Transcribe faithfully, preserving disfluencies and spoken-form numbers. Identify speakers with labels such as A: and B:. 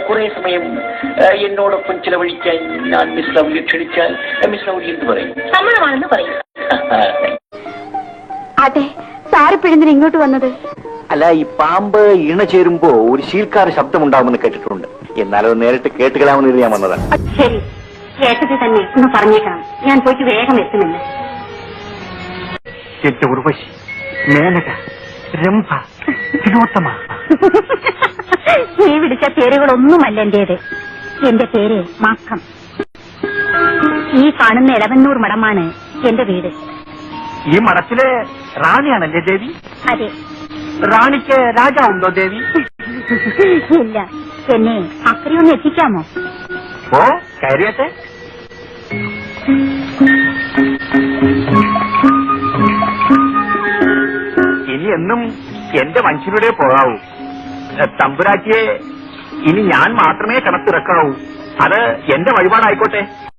A: കുറെ സമയം എന്നോടൊപ്പം ചിലവഴിക്കാൻ ഞാൻ മിസ് ലൗലി ക്ഷണിച്ചാൽ മിസ് ലൗലി എന്ന് പറയും?
B: സമ്മതമാണെന്ന് പറയും.
C: അതെ, സാറിപ്പിഴന്തിന് ഇങ്ങോട്ട് വന്നത്?
D: അല്ല, ഈ പാമ്പ് ഇണ ചേരുമ്പോ ഒരു ശീൽക്കാര ശബ്ദമുണ്ടാകുമെന്ന് കേട്ടിട്ടുണ്ട്. എന്നാലത് നേരിട്ട് കേട്ടുകളാമെന്ന് ഞാൻ വന്നതാണ്.
B: ശരി, കേട്ടത് തന്നെ ഒന്ന് പറഞ്ഞേക്കണം. ഞാൻ പോയിട്ട് വേഗം എത്തുന്നില്ല.
D: എന്റെ ഉർവശി, മേനക, രംഭ, തിലോത്തമ.
B: നീ വിളിച്ച പേരുകളൊന്നുമല്ല എന്റേത്. എന്റെ പേര് മാക്കം. ഈ കാണുന്ന ഇളവന്നൂർ മഠമാണ് എന്റെ വീട്.
D: ഈ മഠത്തിലെ റാണിയാണല്ലേ ദേവി?
B: അതെ.
D: റാണിക്ക് രാജാവുണ്ടോ ദേവി?
B: ഇല്ല. എന്നെ അക്കരെയൊന്ന് എത്തിക്കാമോ?
D: ഓ, കയറിയട്ടെ. ഇനി എന്നും എന്റെ മനുഷ്യരുടെ പോകാവൂ. തമ്പുരാറ്റിയെ ഇനി ഞാൻ മാത്രമേ കണത്തിറക്കാവൂ. അത് എന്റെ വഴിപാടായിക്കോട്ടെ.